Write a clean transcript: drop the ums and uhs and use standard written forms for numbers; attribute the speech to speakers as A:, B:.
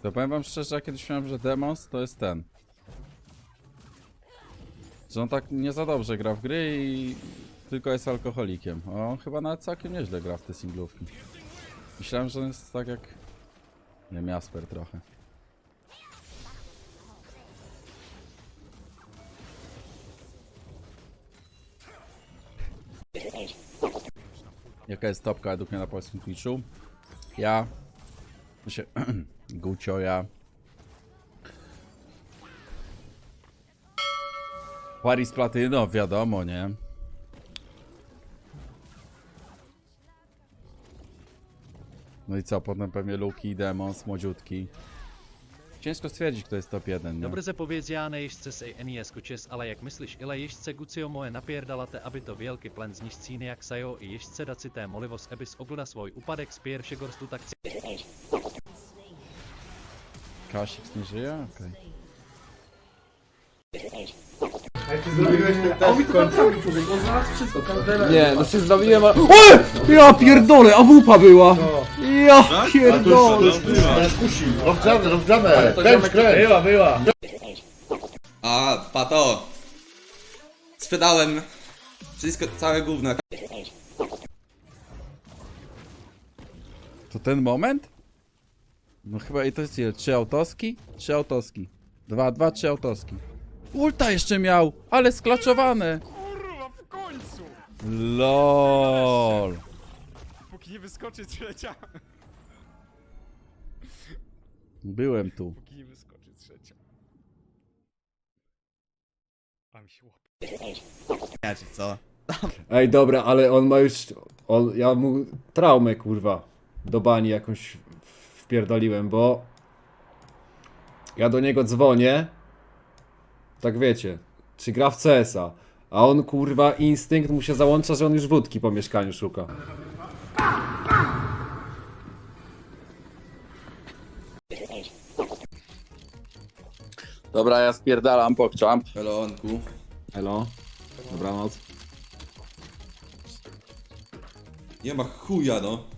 A: To powiem wam szczerze, ja kiedyś myślałem, że Demons to jest ten. Że on tak nie za dobrze gra w gry i tylko jest alkoholikiem. A on chyba nawet całkiem nieźle gra w te singlówki. Myślałem, że on jest tak jak... Nie wiem, Jasper trochę. Jaka jest topka według mnie na polskim Twitchu? Ja... Gucio, ja... Paris Platyno, wiadomo, nie? No i co, potem pewnie Luki, Demons, młodziutki. Ciężko stwierdzić, kto jest top 1, nie?
B: Dobře powiedz, já na ježdce se NES kučes, ale jak myslíš, ile ježdce Gucio moje napierdalate, aby to wielki plen z nich cíny jak sajo i ježdce dacité molivos, ebys ogleda svoj upadek z pierwszy gorstu tak
A: Kasik nie żyje? Okej.
C: Nie, no się zrobiłem, ale... O! Ja pierdolę, AWP była! Ja pierdolę!
D: Rozgrzane, kręć. Była.
E: A, pato! Sprzedałem wszystko, całe gówno.
A: To ten moment? No chyba i to jest ile? 3 autoski? 3 autoski. 3 autoski. Ulta jeszcze miał, ale sklaczowane.
F: Kurwa, w końcu!
A: LOL.
F: Póki nie wyskoczy trzecia.
A: Byłem tu.
F: Póki nie wyskoczy trzecia. A mi się łapie.
E: Ja czy co?
C: Ej, dobra, ale on ma już... ja mu traumę, kurwa, do bani jakąś wpierdoliłem, bo... Ja do niego dzwonię, tak wiecie, czy gra w CS-a, a on, kurwa, instynkt mu się załącza, że on już wódki po mieszkaniu szuka.
A: Dobra, ja spierdalam pokczamp.
E: Pelonku.
C: Elo, dobranoc.
E: Nie ma chuja no.